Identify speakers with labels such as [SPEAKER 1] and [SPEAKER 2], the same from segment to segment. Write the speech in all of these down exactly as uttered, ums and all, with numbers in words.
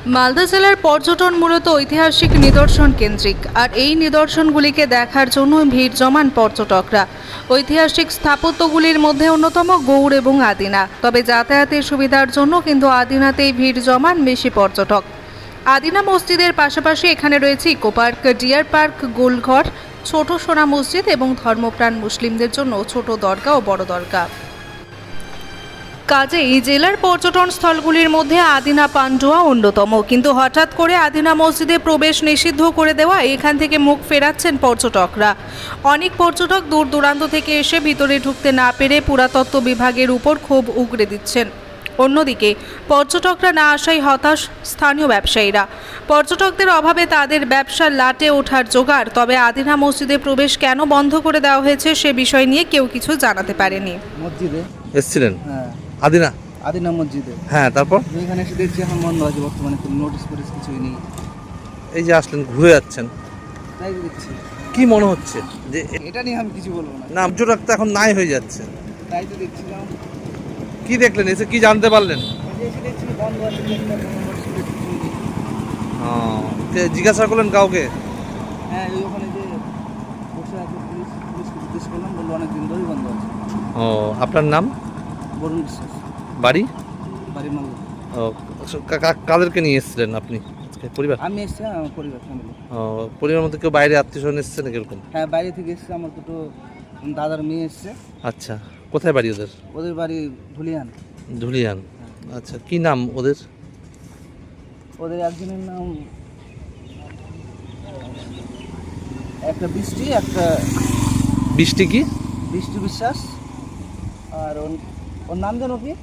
[SPEAKER 1] মালদা জেলার পর্যটন মূলত ঐতিহাসিক নিদর্শন কেন্দ্রিক, আর এই নিদর্শনগুলিকে দেখার জন্য ভিড় জমান পর্যটকরা। ঐতিহাসিক স্থাপত্যগুলির মধ্যে অন্যতম গৌড় এবং আদিনা। তবে যাতায়াতের সুবিধার জন্য কিন্তু আদিনাতেই ভিড় জমান বেশি পর্যটক। আদিনা মসজিদের পাশাপাশি এখানে রয়েছে eco park, deer park, Golghar, Chhoto Sona মসজিদ এবং ধর্মপ্রাণ মুসলিমদের জন্য ছোট দরগা ও বড় দরগা। কাজেই জেলার পর্যটন স্থলগুলির মধ্যে আদিনা পান্ডুয়া অন্যতম। কিন্তু হঠাৎ করে আদিনা মসজিদে প্রবেশ নিষিদ্ধ করে দেওয়া এখান থেকে মুখ ফেরাচ্ছেন পর্যটকরা। অনেক পর্যটক দূর দূরান্ত থেকে এসে ভিতরে ঢুকতে না পেরে পুরাতত্ত্ব বিভাগের উপর ক্ষোভ উগরে দিচ্ছেন। অন্যদিকে পর্যটকরা না আসায় হতাশ স্থানীয় ব্যবসায়ীরা। পর্যটকদের অভাবে তাদের ব্যবসার লাটে ওঠার জোগাড়। তবে আদিনা মসজিদে প্রবেশ কেন বন্ধ করে দেওয়া হয়েছে সে বিষয় নিয়ে কেউ কিছু জানাতে পারেনি।
[SPEAKER 2] মসজিদে
[SPEAKER 3] এসেছিলেন?
[SPEAKER 2] হ্যাঁ,
[SPEAKER 3] আদিনা
[SPEAKER 2] আদিনা মসজিদে।
[SPEAKER 3] হ্যাঁ, তারপর
[SPEAKER 2] এখানে এসে দেখছি এখন বন্ধ আছে বর্তমানে, কোনো নোটিশ ফোটিস কিছুই নেই।
[SPEAKER 3] এই যে আসলেন, ঘুরে যাচ্ছেন,
[SPEAKER 2] তাই তো দেখছি।
[SPEAKER 3] কি মনে হচ্ছে যে এ-
[SPEAKER 2] এটা নিয়ে আমি কিছু বলবো না,
[SPEAKER 3] না, পর্যটক তো এখন নাই হয়ে যাচ্ছে?
[SPEAKER 2] তাই তো দেখছিলাম।
[SPEAKER 3] কি দেখলেন, এসে কি জানতে পারলেন?
[SPEAKER 2] এই যে এসে দেখছি বন্ধ আছে, গেটটা কোনো নোটিশ ফোটিস কিছুই নেই।
[SPEAKER 3] ও, তে জিজ্ঞাসা করলেন কাউকে?
[SPEAKER 2] হ্যাঁ, এই ওখানে যে বসে আছে পুলিশ, পুলিশকে জিজ্ঞেস করলাম, বললো অনেক দিন ধরেই বন্ধ আছে।
[SPEAKER 3] ও, আপনার নাম?
[SPEAKER 2] বরুণ বিশ্বাস,
[SPEAKER 3] বাড়ি?
[SPEAKER 2] বাড়ি মাল।
[SPEAKER 3] ও, কা- কা- কাদেরকে নিয়ে এসেছিলেন আপনি আজকে? পরিবার?
[SPEAKER 2] আমি এসছি আমার পরিবার, ফ্যামিলি।
[SPEAKER 3] ও, পরিবার মধ্যে কেউ বাইরে আত্মীয় স্বজন এসছে না কিরকম?
[SPEAKER 2] হ্যাঁ, বাইরে থেকে এসছে, আমার দুটো দাদার মেয়ে এসছে।
[SPEAKER 3] আচ্ছা, কোথায় বাড়ি ওদের?
[SPEAKER 2] ওদের বাড়ি ধুলিয়ান।
[SPEAKER 3] ধুলিয়ান। আচ্ছা, কি নাম ওদের?
[SPEAKER 2] ওদের একজনের নাম একটা বৃষ্টি, একটা
[SPEAKER 3] বৃষ্টি কি?
[SPEAKER 2] বৃষ্টি বিশ্বাস, আর ওর ওর নাম জানো কি,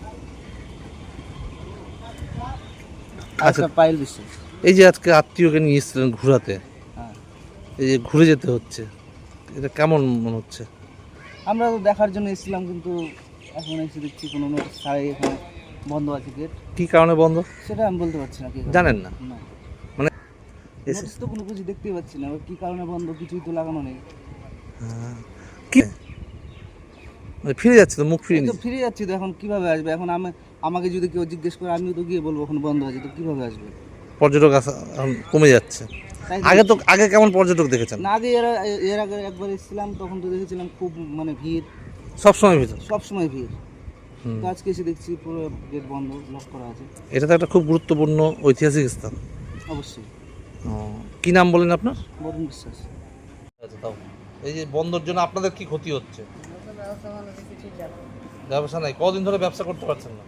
[SPEAKER 3] আচ্ছা,
[SPEAKER 2] একটা পায়েল বিশ্বাস।
[SPEAKER 3] এই যে আজকে আত্মীয়কে নিয়ে এসেছিলেন ঘোরাতে,
[SPEAKER 2] হ্যাঁ,
[SPEAKER 3] এই যে ঘুরে যেতে হচ্ছে, এটা কেমন মনে হচ্ছে?
[SPEAKER 2] আমরা তো দেখার জন্য এসেছিলাম, কিন্তু এখন এসে দেখছি কোনো নোটিশ ছাড়াই এখানে বন্ধ আছে গেট।
[SPEAKER 3] কি কারণে বন্ধ
[SPEAKER 2] সেটা আমি বলতে পারছি না। কি কারণে?
[SPEAKER 3] জানেন না?
[SPEAKER 2] না,
[SPEAKER 3] মানে এসে
[SPEAKER 2] নোটিশ তো কোনো কিছু দেখতেই পাচ্ছি না, কি কারণে বন্ধ কিছুই তো লাগানো নেই।
[SPEAKER 3] কি মানে ফিরে যাচ্ছে তো, মুখ ফিরে
[SPEAKER 2] এই তো
[SPEAKER 3] নিচ্ছে।
[SPEAKER 2] ফিরে যাচ্ছি তো, এখন কিভাবে আসবে? এখন আমি, আমাকে যদি কেউ জিজ্ঞেস করে আমিও তো গিয়ে বলবো এখন বন্ধ আছে, তো কিভাবে আসবে?
[SPEAKER 3] পর্যটক আসা এখন কমে যাচ্ছে।
[SPEAKER 2] তাই
[SPEAKER 3] আগে তো আগে কেমন পর্যটক দেখেছেন?
[SPEAKER 2] না, আগে এর এর আগে একবার এসেছিলাম, তখন তো দেখেছিলাম খুব মানে ভিড়,
[SPEAKER 3] সবসময় ভিতর।
[SPEAKER 2] সব সময় ভিড়।
[SPEAKER 3] হুম।
[SPEAKER 2] তো আজকে এসে দেখছি পুরো গেট বন্ধ, লক করা আছে।
[SPEAKER 3] এটা তো একটা খুব গুরুত্বপূর্ণ ঐতিহাসিক স্থান।
[SPEAKER 2] অবশ্যই।
[SPEAKER 3] ও, কি নাম বলেন আপনার?
[SPEAKER 2] বরুণ বিশ্বাস।
[SPEAKER 3] আচ্ছা, তাও এই যে বন্ধর জন্য আপনাদের কি ক্ষতি হচ্ছে? ব্যবসা নাই, কদিন ধরে ব্যবসা করতে পারছেন না?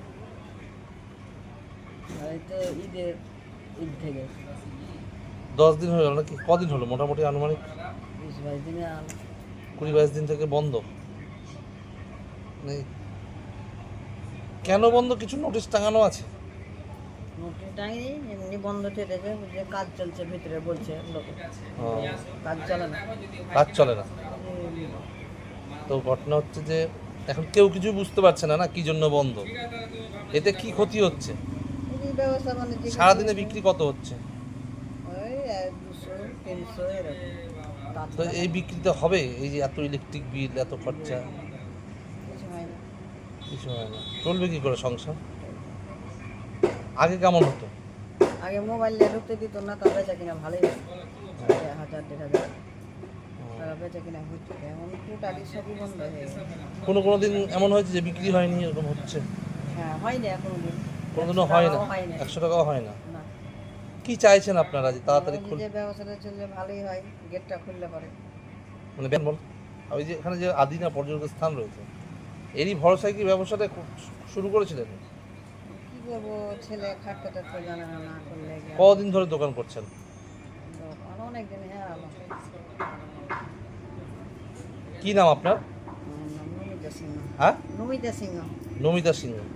[SPEAKER 2] ঈদের ঈদ থেকে
[SPEAKER 3] দশ দিন হলো নাকি? কদিন হলো মোটামুটি আনুমানিক?
[SPEAKER 2] বিশ বাইশ দিনে
[SPEAKER 3] কুড়ি বাইশ দিন থেকে বন্ধ নেই। কেন বন্ধ? কিছু নোটিশ টাঙানো আছে?
[SPEAKER 4] নোটিশটাই এমনি বন্ধ থেকেছে, যে কাজ চলছে ভিতরে বলছে লোকে,
[SPEAKER 3] ও,
[SPEAKER 4] কাজ চলে না।
[SPEAKER 3] কাজ চলে না। তো ঘটনা হচ্ছে যে এখন কেউ কিছু বুঝতে পারছে না না কি জন্য বন্ধ, এতে কি ক্ষতি হচ্ছে?
[SPEAKER 4] এই ব্যবসা বাণিজ্য
[SPEAKER 3] সারাদিনে বিক্রি কত হচ্ছে?
[SPEAKER 4] ওই এক দুশো তিনশো এরকম। তার
[SPEAKER 3] তো এই বিক্রিতে হবে? এই যে এত ইলেকট্রিক বিল, এত খরচা,
[SPEAKER 4] কিছু হয় না।
[SPEAKER 3] কিছু হয় না। চলবে কি করে সংসার? আগে কেমন হতো?
[SPEAKER 4] আগে মোবাইল নিয়ে ঢুকতে দিত না, তবে বেচা কিনা ভালোই হতো। হাজার দেড় হাজার টাকা বেচা কিনা হচ্ছে, এখন টোটালি সবই বন্ধ হয়ে গেছে।
[SPEAKER 3] কোনো কোনো দিন এমন হয়েছে যে বিক্রি হয়নি, এরকম হচ্ছে?
[SPEAKER 4] হ্যাঁ, হয়নি এখনো দিন,
[SPEAKER 3] কোনোদিনও হয় না,
[SPEAKER 4] হয় না।
[SPEAKER 3] একশো টাকাও হয় না।
[SPEAKER 4] না,
[SPEAKER 3] কি চাইছেন আপনারা যে তাড়াতাড়ি খুল,
[SPEAKER 4] যে ব্যবসাটা চললে ভালোই হয়, গেটটা খুললে পরে।
[SPEAKER 3] মানে বেন বল, ওই যে এখানে যে আদিনা পর্যটক স্থান রয়েছে, এরই ভরসায় কি ব্যবসাটা খু- শুরু করেছিলেন?
[SPEAKER 4] কি করবো, ছেলে খাটতে টাটতে জানে না, না করলে কি আর-
[SPEAKER 3] কদিন ধরে দোকান করছেন?
[SPEAKER 4] দোকান অনেকদিন, হ্যাঁ আলো।
[SPEAKER 3] কি নাম আপনার?
[SPEAKER 4] আমার নাম নমিতা সিংহ।
[SPEAKER 3] হ্যাঁ,
[SPEAKER 4] নমিতা সিংহ।
[SPEAKER 3] নমিতা সিংহ।